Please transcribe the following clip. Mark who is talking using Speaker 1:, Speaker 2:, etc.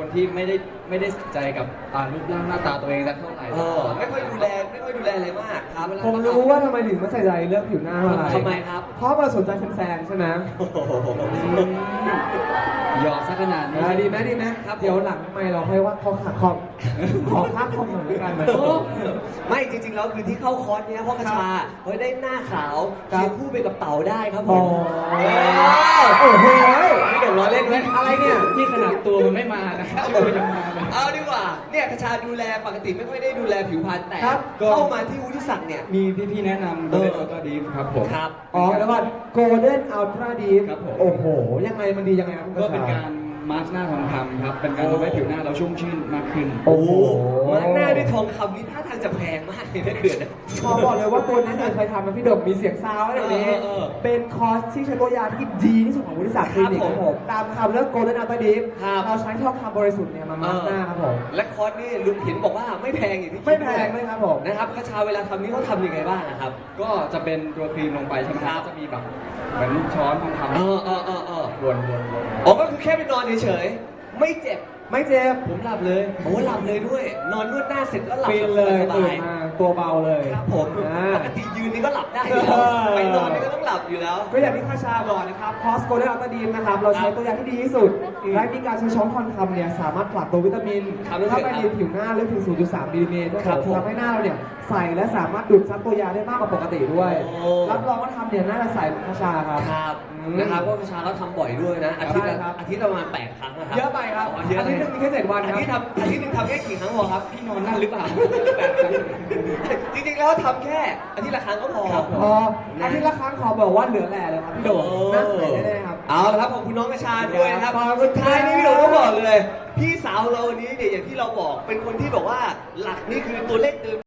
Speaker 1: คนที่ไม่ได้สนใจกับรูปร่างหน้าตาตัวเองสักเท่าไหร่
Speaker 2: ไม่ค่อยดูแลอะไรมากครับ
Speaker 3: ผมรู้ว่าทำไมถึงไม่ใส่ใจเรื่องผิวหน้าเท่าไหร่
Speaker 2: ทำไมครับ
Speaker 3: เพราะมาสนใจแฟนๆใช่ไหม
Speaker 1: หยอดสักขนาดนี้
Speaker 3: ดีไหมครับเดี๋ยวหลังไม่เราค่อยว่าขอค่าคอมหน่อยแล้วกันนะ
Speaker 2: ไม่จริงๆแล้วคือที่เข้าคอร์สเนี้ยเพราะกระชาเฮ้ยได้หน้าขาว
Speaker 3: ครับ
Speaker 2: เคียงคู่ไปกับเต่าได้ครับผ
Speaker 3: โอ้
Speaker 2: ม
Speaker 3: โห
Speaker 2: ไม่เดี๋ยวล้อเล่นไหม
Speaker 3: อะไรเนี่ย
Speaker 1: นี่ขนาดตัวมันไม่มานะตัวยังมาเลย
Speaker 2: เอาดีกว่าเนี่ยกระชาดูแลปกติไม่ค่อยได้ดูแลผิวพรรณแต่
Speaker 3: ครับ
Speaker 2: เข้ามาที่วุฒิศักดิ์เนี่ย
Speaker 1: มีพี่ๆแนะนำ Golden Ultra Deep ครับผม
Speaker 2: ครับ
Speaker 3: อ๋อแล้วก็ Golden Ultra Deep
Speaker 1: ครับผม
Speaker 3: โอ้โห ยังไงมันดียังไงครับ
Speaker 1: ก็เป็นการมาร์กหน้าทองคำครับ เป็นการทำให้ผิวหน้าเราชุ่มชื่นมากขึ้น
Speaker 3: โอ้โห
Speaker 2: มาหน้าด้วยทองคำนี่ท่าทางจะแพงมากเลยนะเขื่อนนะ
Speaker 3: ขอบอกเลยว่าตัวนั้นเคยทำนะพี่ดมมีเสียงซาวอะไรแบบนี้
Speaker 2: เออ
Speaker 3: เป็นคอร์สที่ใช้ตัวยาที่ดีที่สุดของวุฒิศักดิ์คลินิกครับผมตามคำเรื่อง Golden Ultra Deep
Speaker 2: ครับ
Speaker 3: เราใช้ทองคำบริสุทธิ์เนี่ยมามาสก์หน้าครับผม
Speaker 2: และคอร์สนี่ลุงเห็นบอกว่าไม่แพงอย่างที่คิด
Speaker 3: ไม่แพงเลยครับผม
Speaker 2: นะครับกระชาเวลาทำนี่เขาทำยังไงบ้างอะครับ
Speaker 1: ก็จะเป็นตัวครีมลงไปใช่ไหม
Speaker 2: ครับ
Speaker 1: จะมีแบบเหมือนช้อนทองคำ
Speaker 2: เออ
Speaker 1: วน
Speaker 2: อ๋อก็คือแค่ไปนอนเฉยๆไม่เจ็บ
Speaker 3: ไม่เจ็บ
Speaker 1: ผมหลับเลย
Speaker 2: โอ้หลับเลยด้วย นอนนวดหน้าเสร็จก็หลับ
Speaker 3: ฟินเลย
Speaker 2: ส
Speaker 3: ตื่
Speaker 2: บาน ย
Speaker 3: มาตัวเบาเลย
Speaker 2: ครับผม
Speaker 3: อ่า
Speaker 2: ปกติยืนนี่ก็หลับได้อยู่แล้ว
Speaker 3: เออ
Speaker 2: ไปนอนนี่ก็ต้องหลับอยู่แล้ว
Speaker 3: ก็อย่างที่ข้าชาบอกนะครับคอสโกลเด้นอัลตาดีนนะครับ เราใช้ตัวยาที่ดีที่สุด และมีการใช้ช้อนทองคำเนี่ยสามารถผลักตัววิตามิน
Speaker 2: ครับ
Speaker 3: เข้าไปในผิวหน้าลึกถึง 0.3 มิลลิเมตรด้วย
Speaker 2: ครับผม
Speaker 3: ทำให้หน้าเราเนี่ยใสและสามารถดูดซับตัวยาได้มากกว่าปกติด้วย
Speaker 2: โอ้
Speaker 3: รับรองว่าทำเนี่ยน่าจะใสเหมือนข้าชาครับ
Speaker 2: ครับ
Speaker 3: อืม
Speaker 2: นะครับก็กระชาเขาทำบ่อยด้วยนะ อาทิตย์ละ
Speaker 3: ใช่ครับ
Speaker 2: อาทิตย์ละประมาณ8 ครั้งนะครับ
Speaker 3: เยอะไปครับ
Speaker 2: อ๋อเยอะ
Speaker 3: อาทิตย์หนึงมีแค่7 วันครับ
Speaker 2: อาทิตย์หนึงทำแค่กี่ครั้งพอครับ
Speaker 1: พี่นอนนั่นหรือเปล่า
Speaker 2: จริงๆแล้วทำแค่อาทิตย์ละครั้งก็พอ
Speaker 1: ครับผม
Speaker 3: พออาทิตย์ละครั้งขอบอกว่าเหลือแหล่เลยครับพี่โดมน่าใสแน่ๆครับ
Speaker 2: เอาละครับขอบคุณน้องกระชาด้วยนะครับ
Speaker 3: ขอบคุณครับ
Speaker 2: สุดท้ายนี้พี่โดมต้องบอกเลย พี่สาวเราวันนี้เนี่ยอย่างที่เราบอกเป็นคนที่แบบว่าหลักนี่คือตัวเลขเดิม